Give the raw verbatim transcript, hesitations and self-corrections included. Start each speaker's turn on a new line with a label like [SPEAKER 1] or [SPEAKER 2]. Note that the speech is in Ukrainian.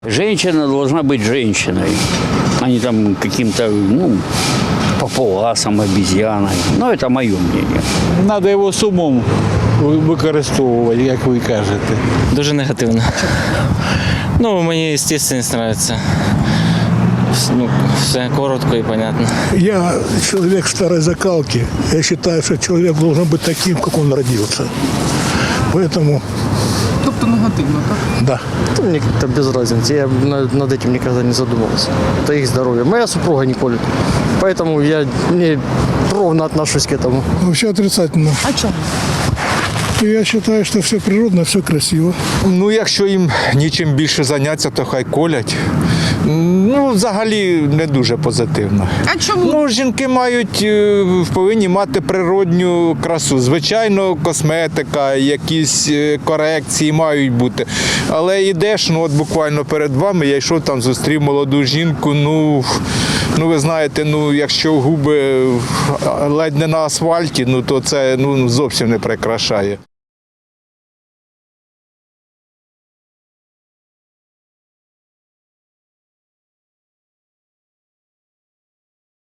[SPEAKER 1] Женщина должна быть женщиной, а не там каким-то, ну, папуасом, обезьяной. Ну, это мое мнение.
[SPEAKER 2] Треба його з умом використовувати, як ви кажете.
[SPEAKER 3] Дуже негативно. Ну, мені естественність подобається. Ну, все коротко і понятно.
[SPEAKER 4] Я человек старой закалки. Я считаю, что человек должен быть таким, как он родился. Поэтому,
[SPEAKER 5] Тобто негативно, так?
[SPEAKER 4] да.
[SPEAKER 6] Да мне как-то без разницы. Я над над этим никогда не задумывался. Это их здоровье. Моя супруга не колет. Поэтому я не ровно отношусь к этому.
[SPEAKER 4] Вообще отрицательно.
[SPEAKER 5] А чому?
[SPEAKER 4] Я считаю, что все природно, все красиво.
[SPEAKER 7] Ну, якщо їм нічим більше зайнятися, то хай колять. Ну, взагалі не дуже позитивно.
[SPEAKER 5] А чому?
[SPEAKER 7] Ну, жінки мають, е, повинні мати природню красу. Звичайно, косметика, якісь е, корекції мають бути. Але йдеш, ну от буквально перед вами, я йшов там, зустрів молоду жінку, ну, ну ви знаєте, ну якщо губи ледь не на асфальті, ну то це ну, зовсім не прикрашає.